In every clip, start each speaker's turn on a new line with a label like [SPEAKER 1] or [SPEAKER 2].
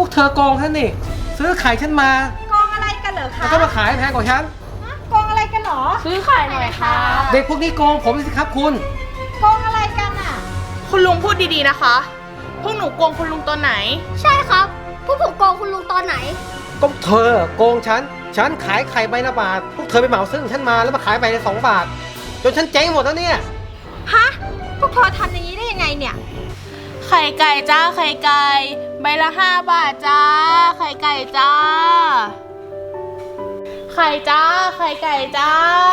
[SPEAKER 1] วกเธอโกงฉันนี่ซื้อไข่ฉันมา
[SPEAKER 2] โกงอะไรกันเหรอคะ
[SPEAKER 1] แล้วก็มาขายแพงกว่าฉัน
[SPEAKER 2] โกงอะไรกันเหรอ
[SPEAKER 3] ซื้อไข่หน่อยค่ะ
[SPEAKER 1] เด็กพวกนี้โกงผมสิครับคุณ
[SPEAKER 2] โกงอะไรกันอ่ะ
[SPEAKER 3] คุณลุงพูดดีๆนะคะพวกหนูโกงคุณลุงตอนไหน
[SPEAKER 4] ใช่ครับพวกผมโกงคุณลุงตอนไหน
[SPEAKER 1] ก็เธอโกงฉันขายไข่ใบละบาทพวกเธอไปเหมาซื้อของฉันมาแล้วมาขายใบละ2 บาทจนฉันเจ๊งหมดแล้วเนี่ย
[SPEAKER 2] ฮะพวกเธอทำอย่างนี้ได้ยังไงเนี่ย
[SPEAKER 3] ไข่ไก่จ้าไข่ไก่ใบละ5 บาทจ้าไข่ไก่จ้าไข่จ้าไข่ไก่จ้า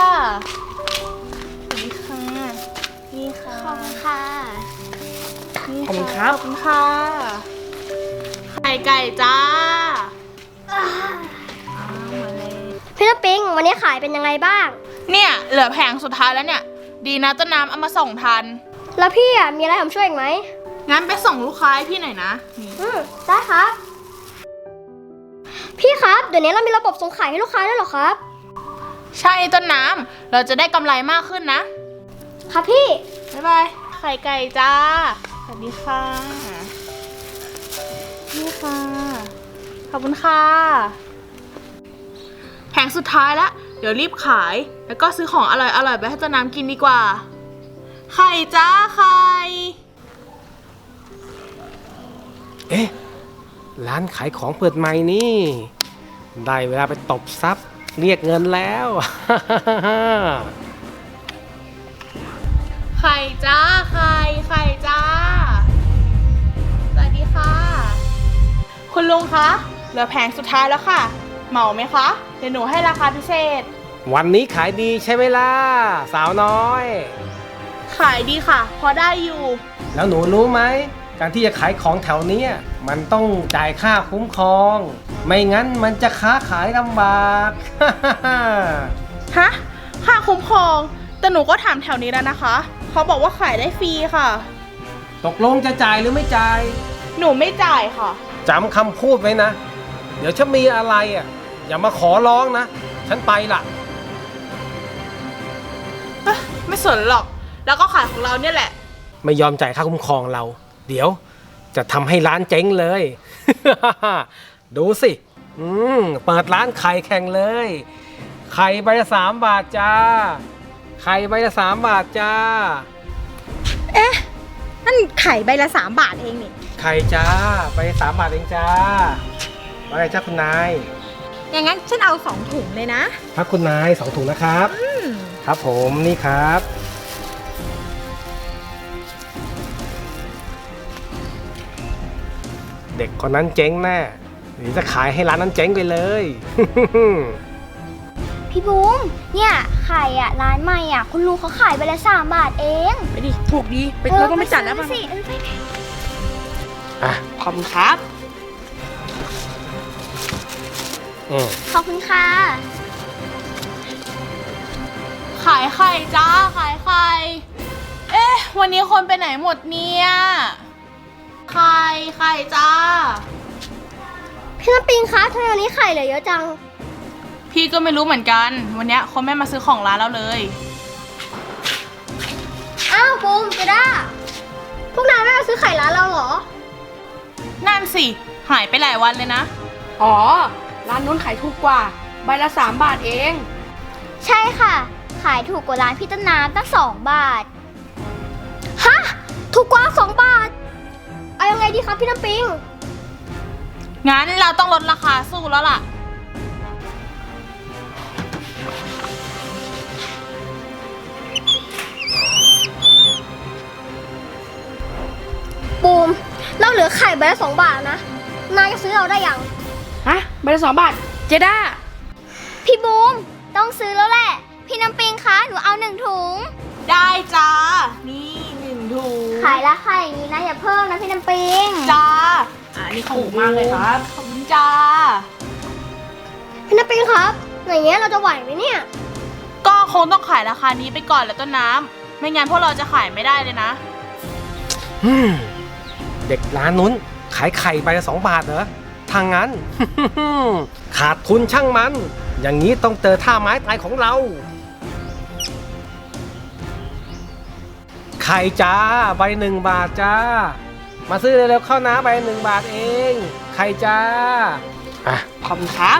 [SPEAKER 3] นี่ค่ะนี่ค่ะ
[SPEAKER 4] ขอบคุณค่ะ
[SPEAKER 3] ขอบคุณครับขอบคุณค่ะไข่ไก่จ้า
[SPEAKER 4] พี่น้ำปิงวันนี้ขายเป็นยังไงบ้าง
[SPEAKER 3] เนี่ยเหลือแผงสุดท้ายแล้วเนี่ยดีนะต้นน้ำเอามาส่งทัน
[SPEAKER 4] แล้วพี่อ่ะมีอะไรผมช่วยอีกไหม
[SPEAKER 3] งั้นไปส่งลูกค้าให้พี่หน่อยนะ
[SPEAKER 4] ได้ครับพี่ครับเดี๋ยวนี้เรามีระบบส่งขายให้ลูกค้าด้วยเหรอครับ
[SPEAKER 3] ใช่ต้นน้ำเราจะได้กำไรมากขึ้นนะครับ
[SPEAKER 4] พี่
[SPEAKER 3] บ๊ายบายไข่ไก่จ้าสวัสดีค่ะนี่ค่ะขอบคุณค่ะแผงสุดท้ายแล้วเดี๋ยวรีบขายแล้วก็ซื้อของอร่อยๆไปให้ต้นน้ำกินดีกว่าไข่จ้าไข่
[SPEAKER 1] เอ๊ะร้านขายของเปิดใหม่นี่ได้เวลาไปตบทรัพย์เรียกเงินแล้ว
[SPEAKER 3] ไข่จ้าไข่จ้าสวัสดีค่ะคุณลุงคะเหลือแผงสุดท้ายแล้วค่ะเหมาไหมคะเดี๋ยวหนูให้ราคาพิเศษ
[SPEAKER 1] วันนี้ขายดีใช่ไหมล่ะสาวน้อย
[SPEAKER 3] ขายดีค่ะพอได้อยู่
[SPEAKER 1] แล้วหนูรู้ไหมการที่จะขายของแถวนี้มันต้องจ่ายค่าคุ้มครองไม่งั้นมันจะค้าขายลำบาก
[SPEAKER 3] ฮะค่าคุ้มครองแต่หนูก็ถามแถวนี้แล้วนะคะเขาบอกว่าขายได้ฟรีค่ะ
[SPEAKER 1] ตกลงจะจ่ายหรือไม่จ่าย
[SPEAKER 3] หนูไม่จ่ายค่ะ
[SPEAKER 1] จำคำพูดไว้นะเดี๋ยวฉันมีอะไรอย่ามาขอร้องนะฉันไปละ
[SPEAKER 3] ไม่สนหรอกแล้วก็ขายของเราเนี่ยแหละ
[SPEAKER 1] ไม่ยอมจ่ายค่าคุ้มครองเราเดี๋ยวจะทำให้ร้านเจ๊งเลย ดูสิเปิดร้านไข่แข่งเลยไข่ใบละ3 บาทจ้าไข่ใบละ3 บาทจ้า
[SPEAKER 2] เอ๊ะนั่นไข่ใบละ3 บาทเองนี่
[SPEAKER 1] ไข่จ้าใบละ3 บาทเองจ้าว่าไงจ้าคุณนาย
[SPEAKER 2] อย่างงั้นฉันเอา2 ถุงเลยนะครับ
[SPEAKER 1] คุณนาย2 ถุงนะครับครับผมนี่ครับเด็กคนนั้นเจ๊งแน่หรือจะขายให้ร้านนั้นเจ๊งไปเลย
[SPEAKER 4] พี่บูมเนี่ยไข่ร้านใหม่คุณลุงเขาขายใบละ3 บาทเอง
[SPEAKER 3] ไปดิถูกดีไปเราต้องไม่จัดแล้ว
[SPEAKER 4] มั้ง
[SPEAKER 3] ขอบคุณครับ
[SPEAKER 4] ขอบคุณค่ะ
[SPEAKER 3] ขายไข่จ้าขายไข่เอ๊ะวันนี้คนไปไหนหมดเนี่ยไข่จ้า
[SPEAKER 4] พี่น้ำปิงคะทำไมวันนี้ไข่เหลือเยอะจัง
[SPEAKER 3] พี่ก็ไม่รู้เหมือนกันวันนี้คนไม่มาซื้อของร้านเราเลย
[SPEAKER 4] อ้าวบูมเจด้าพวกนายไม่มาซื้อไข่ร้านเราเหรอ
[SPEAKER 3] นั่นสิหายไปหลายวันเลยนะ
[SPEAKER 5] อ๋อร้านนู้นขายถูกกว่าใบละ3 บาทเอง
[SPEAKER 4] ใช่ค่ะขายถูกกว่าร้านพี่ต้นน้ำตั้ง2 บาทฮะถูกกว่า2 บาทเอายังไงดีครับพี่น้ำปิง
[SPEAKER 3] งั้นเราต้องลดราคาสู้แล้วล่ะ
[SPEAKER 4] บูมเราเหลือไข่ใบละ2 บาทนะนายจะซื้อเราได้ยัง
[SPEAKER 5] ฮะใบละ2 บาทเจด้า
[SPEAKER 4] พี่บูมต้องซื้อแล้วแหละพี่น้ำปิงคะหนูเอา1 ถุง
[SPEAKER 3] ได้จ้านี่1 ถุง
[SPEAKER 4] ขายราคาอย่างนี้นะอย่าเพิ่มนะพี่น้ำปิง
[SPEAKER 3] จ้า
[SPEAKER 5] นี่ถูกมากเลยครับ
[SPEAKER 3] ขอบคุณจ้า
[SPEAKER 4] พี่น้ำปิงครับอย่างเงี้ยเราจะไหวไหมเนี่ย
[SPEAKER 3] ก็คงต้องขายราคานี้ไปก่อนแหละต้นน้ำไม่งั้นพวกเราจะขายไม่ได้เลยนะ
[SPEAKER 1] เด็กร้านนู้นขายไข่ใบละ2 บาทเหรอทางนั้น ขาดทุนช่างมันอย่างนี้ต้องเจอท่าไม้ตายของเราไข่จ้าใบ1 บาทจ้ามาซื้อเร็วๆเข้าน้ำไป1 บาทเองไข่จ้าอ่ะ
[SPEAKER 3] ขอบคุณครับ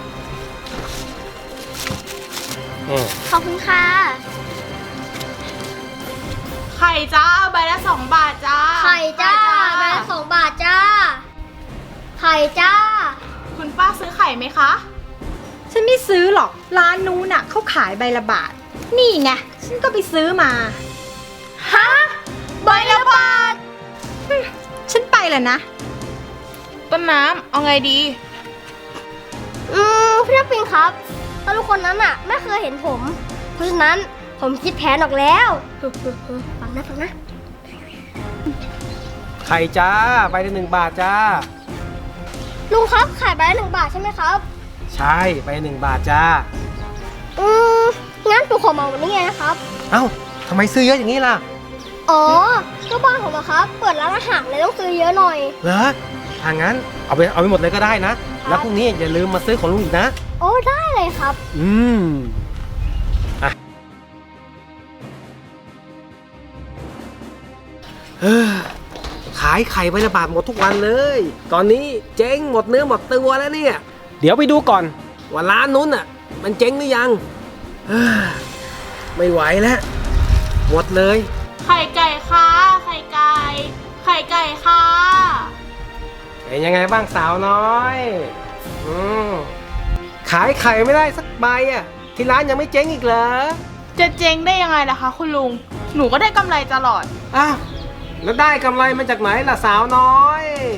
[SPEAKER 4] ขอบคุณค่ะ
[SPEAKER 3] ไข่จ้าใบละ2 บาทจ้า
[SPEAKER 4] ไข่จ้าใบละ2 บาทจ้า ไข่จ้า
[SPEAKER 3] คุณป้าซื้อไข่ไหมคะ
[SPEAKER 2] ฉันไม่ซื้อหรอก ร้านนู้นน่ะเขาขายใบละบาท นี่ไง ฉันก็ไปซื้อมา
[SPEAKER 3] ฮะ ใบละบาท
[SPEAKER 2] ฉันไปแล้วนะ
[SPEAKER 3] ต้นน้ำเอาไงดี
[SPEAKER 4] พี่น้ำปิงครับแล้วทุกคนนั้นอ่ะไม่เคยเห็นผม เพราะฉะนั้นผมคิดแผนออกแล้วฟังนะ
[SPEAKER 1] ไข่จ้าใบละ1 บาทจ้า
[SPEAKER 4] ลุงครับขายใบละ1 บาทใช่ไหมครับ
[SPEAKER 1] ใช่ใบละ1 บาทจ้า
[SPEAKER 4] งั้นผมขอเหมาวันนี้ไงนะครับ
[SPEAKER 1] เอ้าทำไมซื้อเยอะอย่างนี้ล่ะ
[SPEAKER 4] อ๋อ ก็บ้านผมอะครับ เปิดร้านอาหารเลยต้องซื้อเยอะหน่อย
[SPEAKER 1] เหรอถ้างั้นเอาไปหมดเลยก็ได้นะ แล้วพรุ่งนี้อย่าลืมมาซื้อของลุงอีกนะ
[SPEAKER 4] โอ้ได้เลยครับ
[SPEAKER 1] อ่ะขายไข่ใบละบาทหมดทุกวันเลย ตอนนี้เจ๊งหมดเนื้อหมดตัวแล้วเนี่ย เดี๋ยวไปดูก่อนว่าร้านนู้นอ่ะ มันเจ๊งหรือยังไม่ไหวแล้วหมดเลย
[SPEAKER 3] ไข่ไก่ค่ะ ไข่ไก่ ไข่ไก่ค่ะ
[SPEAKER 1] เป็นยังไงบ้างสาวน้อยขายไข่ไม่ได้สักใบอ่ะที่ร้านยังไม่เจ๊งอีกเหรอ
[SPEAKER 3] จะเจ๊งได้ยังไงล่ะคะคุณลุง หนูก็ได้กำไรตลอด
[SPEAKER 1] อ้าวแล้วได้กำไรมาจากไหนล่ะสาวน้อย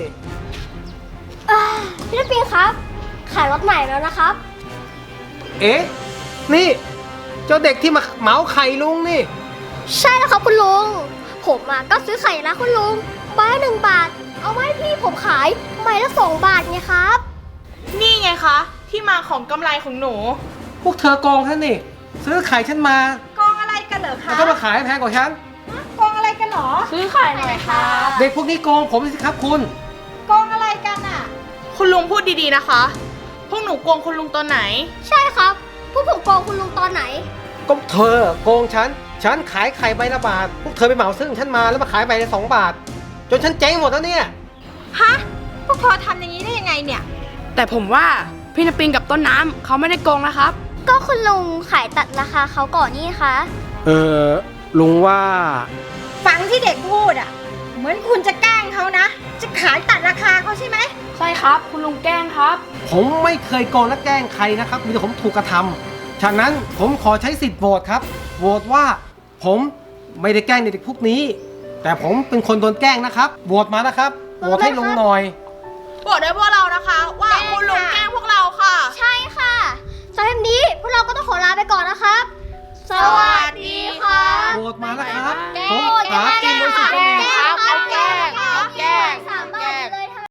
[SPEAKER 4] พี่น้ำปิงครับ ขายรถใหม่แล้วนะครับ
[SPEAKER 1] เอ๊ะนี่เจ้าเด็กที่มาเหมาไข่ลุงนี่
[SPEAKER 4] ใช่แล้วครับคุณลุง ผมอะก็ซื้อไข่นะคุณลุงใบละ1 บาท เอาไว้พี่ผมขายใบละ2 บาทไงครับ
[SPEAKER 3] นี่ไงคะ ที่มาของกำไรของหนู
[SPEAKER 1] พวกเธอโกงฉันนี่ซื้อไข่ฉันมา
[SPEAKER 2] กองอะไรกันเหรอ
[SPEAKER 1] แล้ว
[SPEAKER 2] คะ
[SPEAKER 1] ก็มาขายแพงกว่าฉัน
[SPEAKER 2] กองอะไรกันเหรอ
[SPEAKER 3] ซื้อไข่หน่อยค่ะ
[SPEAKER 1] เด็กพวกนี้โกงผมสิครับคุณ
[SPEAKER 2] กองอะไรกันอ่ะ
[SPEAKER 3] คุณลุงพูดดีๆนะคะ พวกหนูโกงคุณลุงตอนไหน
[SPEAKER 4] ใช่ครับพวกผมโกงคุณลุงตอนไหน
[SPEAKER 1] ก็เธอโกงฉันขายไข่ใบละบาท พวกเธอไปเหมาซื้อของฉันมาแล้วมาขายใบละ2 บาท จนฉันเจ๊งหมดแล้วเนี่ย
[SPEAKER 2] ฮะ พวกเธอทำอย่างนี้ได้ยังไงเนี่ย
[SPEAKER 5] แต่ผมว่าพี่น้ำปิงกับต้นน้ำเขาไม่ได้โกงนะครับ
[SPEAKER 4] ก็คุณลุงขายตัดราคาเขาก่อนนี่คะ
[SPEAKER 1] ลุงว่า
[SPEAKER 2] ฟังที่เด็กพูดอ่ะ เหมือนคุณจะแกล้งเขานะ จะขายตัดราคาเขาใช่ไหม
[SPEAKER 5] ใช่ครับ คุณลุงแกล้งครับ
[SPEAKER 1] ผมไม่เคยโกงและแกล้งใครนะครับ มีแต่ผมถูกกระทำฉะนั้นผมขอใช้สิทธิ์โหวตครับ โหวตว่าผมไม่ได้แกล้งเด็กพวกนี้ แต่ผมเป็นคนโดนแกล้งนะครับ โหวตมานะครับ โหวตให้ลุงหน่อย
[SPEAKER 3] บอกด้วยพวกเรานะคะ ว่าคุณลุงแกล้งพวกเราค่ะ
[SPEAKER 4] ใช่ค่ะสำหรับวันนี้พวกเราก็ต้องขอลาไปก่อนนะครับ สวัสดีค่ะ
[SPEAKER 1] โหวตมานะครับ
[SPEAKER 4] แกล้
[SPEAKER 1] ผ
[SPEAKER 4] ง
[SPEAKER 1] มหาแก